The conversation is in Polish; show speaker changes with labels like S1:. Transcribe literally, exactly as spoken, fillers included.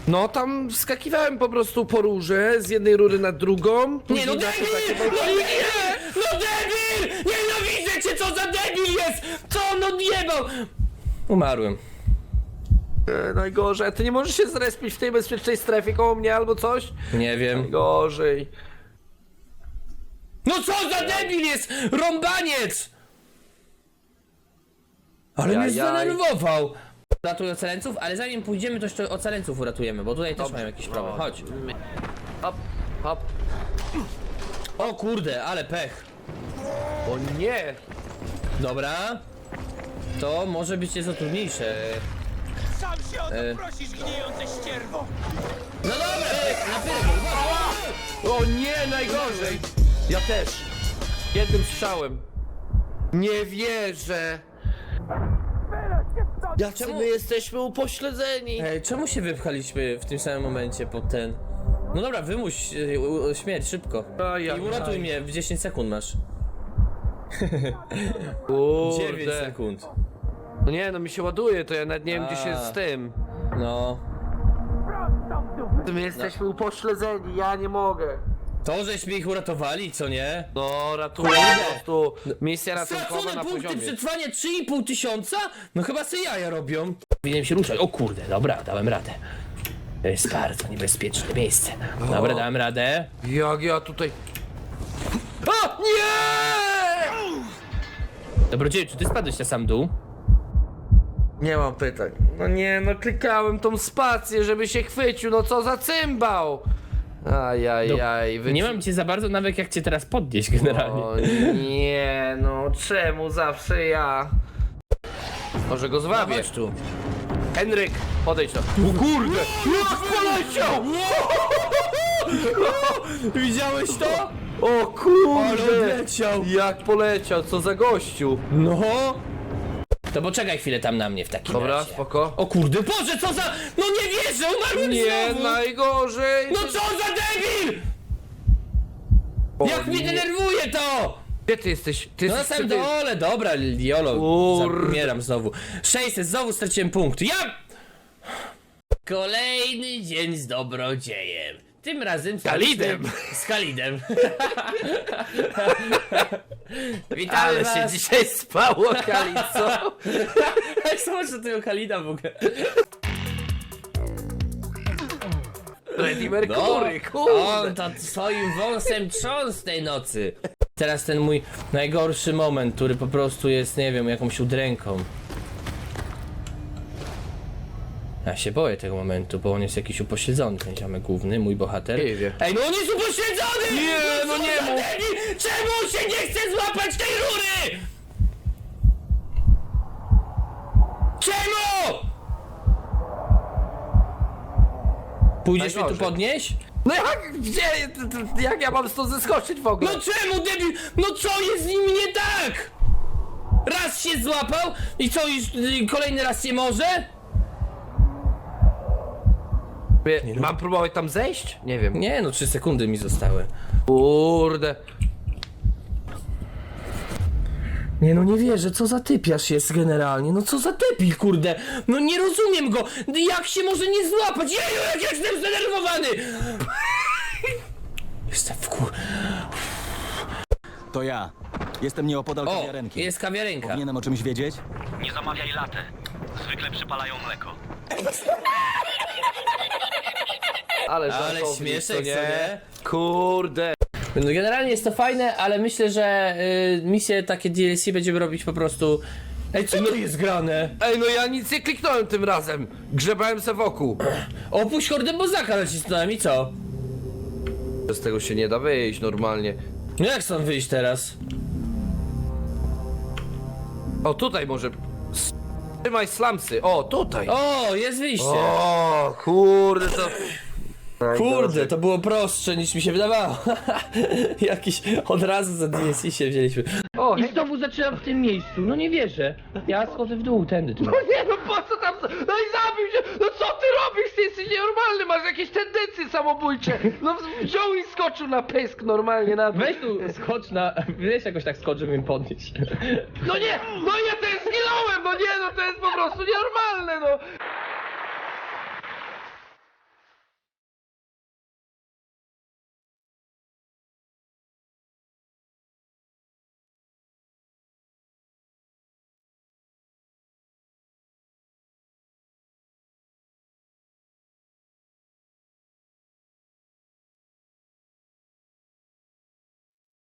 S1: No tam wskakiwałem po prostu po rurze, z jednej rury na drugą.
S2: Nie
S1: później
S2: no
S1: na
S2: debil!
S1: to takie-
S2: No nie! No debil! Nienawidzę cię, co za debil jest! Co on odjebał? Umarłem.
S1: E, najgorzej, a ty nie możesz się zrespić w tej bezpiecznej strefie koło mnie albo coś?
S2: Nie wiem.
S1: Najgorzej.
S2: No co za debil jest! Rąbaniec! Ale mnie
S1: Jaj, jaj.
S2: zdenerwował. Ratuj ocaleńców, ale zanim pójdziemy, to jeszcze ocaleńców uratujemy, bo tutaj też
S1: Dobrze.
S2: mają jakiś problem. Chodź.
S1: Hop, hop.
S2: O kurde, ale pech.
S1: O nie!
S2: Dobra. To może być nieco trudniejsze.
S3: Sam się o to
S2: E.
S3: prosisz, gnijące ścierwo!
S2: No dobra, na pewno.
S1: O nie, najgorzej! Ja też. Jednym strzałem. Nie wierzę. Jacy
S2: Czemu-
S1: my jesteśmy upośledzeni.
S2: Ej, czemu się wypchaliśmy w tym samym momencie pod ten? No dobra, wymuś e, u- śmierć szybko.
S1: Ajaj.
S2: I uratuj mnie, w dziesięć sekund masz. dziewięć
S1: Kurde.
S2: sekund.
S1: No nie, no mi się ładuje, to ja nawet nie wiem gdzie się
S2: A.
S1: z tym.
S2: No.
S1: My jesteśmy upośledzeni, ja nie mogę.
S2: To, żeśmy ich uratowali, co nie?
S1: No, ratuję po prostu. Misja ratunkowa
S2: Stracone
S1: na
S2: punkty
S1: poziomie.
S2: przetrwania trzy i pół tysiąca? No chyba se jaja robią. Powinienem się ruszać. O kurde, dobra, dałem radę. To jest bardzo niebezpieczne miejsce. Dobra, dałem radę.
S1: Jak ja tutaj... A! Nie!
S2: Dobrodzieju, czy ty spadłeś na sam dół?
S1: Nie mam pytań. No nie, no klikałem tą spację, żeby się chwycił, no co za cymbał! Ajajaj, wy...
S2: Nie mam cię za bardzo nawet jak cię teraz podnieść generalnie.
S1: O nie, no czemu zawsze ja? Może go zwabię.
S2: Chodź tu.
S1: Henryk, podejdź to. O kurde! Jak poleciał!
S2: Widziałeś to?
S1: O
S2: Ale
S1: kurde!
S2: odleciał.
S1: Jak poleciał, co za gościu!
S2: No. To poczekaj chwilę tam na mnie w takim
S1: Dobra,
S2: razie.
S1: spoko.
S2: O kurde, Boże, co za... No nie wierzę, umarłem
S1: Nie,
S2: znowu!
S1: najgorzej!
S2: No co za debil!
S1: O
S2: Jak mnie
S1: nie.
S2: denerwuje to!
S1: Gdzie ty jesteś? Ty
S2: No na
S1: jesteś
S2: samym
S1: przy tym-
S2: dole, dobra, Jolo,
S1: Kurde.
S2: umieram znowu. sześćset, znowu straciłem punkt. Ja... Kolejny dzień z dobrodziejem. Tym razem z
S1: Kalidem.
S2: Z Kalidem. Witamy
S1: Ale
S2: was.
S1: się dzisiaj spało, Kalico!
S2: Jak zobaczę tego Kalida w ogóle.
S1: Freddie
S2: No,
S1: Mercury, kurde!
S2: on to swoim wąsem trząsł tej nocy. Teraz ten mój najgorszy moment, który po prostu jest, nie wiem, jakąś udręką. Ja się boję tego momentu, bo on jest jakiś upośledzony, ten ziomek główny, mój bohater.
S1: Nie wie.
S2: Ej, no on jest upośledzony!
S1: Nie, no
S2: co
S1: nie
S2: za
S1: mów.
S2: debil! Czemu on się nie chce złapać tej rury? Czemu? Pójdziesz mnie tu
S1: Najgorzej.
S2: podnieść?
S1: No jak, gdzie, jak ja mam stąd zeskoczyć w ogóle?
S2: No czemu debil? No co jest z nim nie tak? Raz się złapał i co już y, kolejny raz nie może?
S1: Wie- Mam próbować tam zejść? Nie wiem.
S2: Nie no, trzy sekundy mi zostały.
S1: Kurde.
S2: Nie no, nie wierzę, co za typiarz jest generalnie, no co za debil, kurde. No nie rozumiem go, jak się może nie złapać? Jeju, jak ja jestem zdenerwowany! Jestem w kur...
S4: To ja. Jestem nieopodal
S2: O,
S4: kawiarenki.
S2: jest kawiarenka.
S4: Powinienem o czymś wiedzieć?
S5: Nie zamawiaj latte. Zwykle przypalają mleko.
S1: Ale,
S2: Ale
S1: żartownik,
S2: śmieszek,
S1: co
S2: co nie?
S1: Kurde.
S2: No generalnie jest to fajne, ale myślę, że y, misje takie D L C będziemy robić po prostu... Ej, co to jest grane?
S1: Ej, no ja nic nie kliknąłem tym razem. Grzebałem se wokół.
S2: Opuść hordę bozaka nacisnąłem i co?
S1: Z tego się nie da wyjść normalnie.
S2: No jak stąd wyjść teraz?
S1: O, tutaj może... S- Trzymaj slamsy. O, tutaj.
S2: O, jest wyjście!
S1: O, kurde, to...
S2: Kurde, to było prostsze niż mi się wydawało. Jakiś od razu za D S C się wzięliśmy.
S1: O,
S2: I
S1: hej,
S2: znowu zaczynam w tym miejscu, no nie wierzę. Ja schodzę w dół, tędy tu.
S1: no nie, no po co tam... No i zabił się! No co ty robisz? Ty jesteś nienormalny, masz jakieś tendencje samobójcze. No wziął i skoczył na pysk normalnie na dół.
S2: Weź tu, skocz na... Weź jakoś tak skocz, żeby mnie podnieść.
S1: No nie! No ja też zginąłem! No nie, no to jest po prostu nienormalne, no!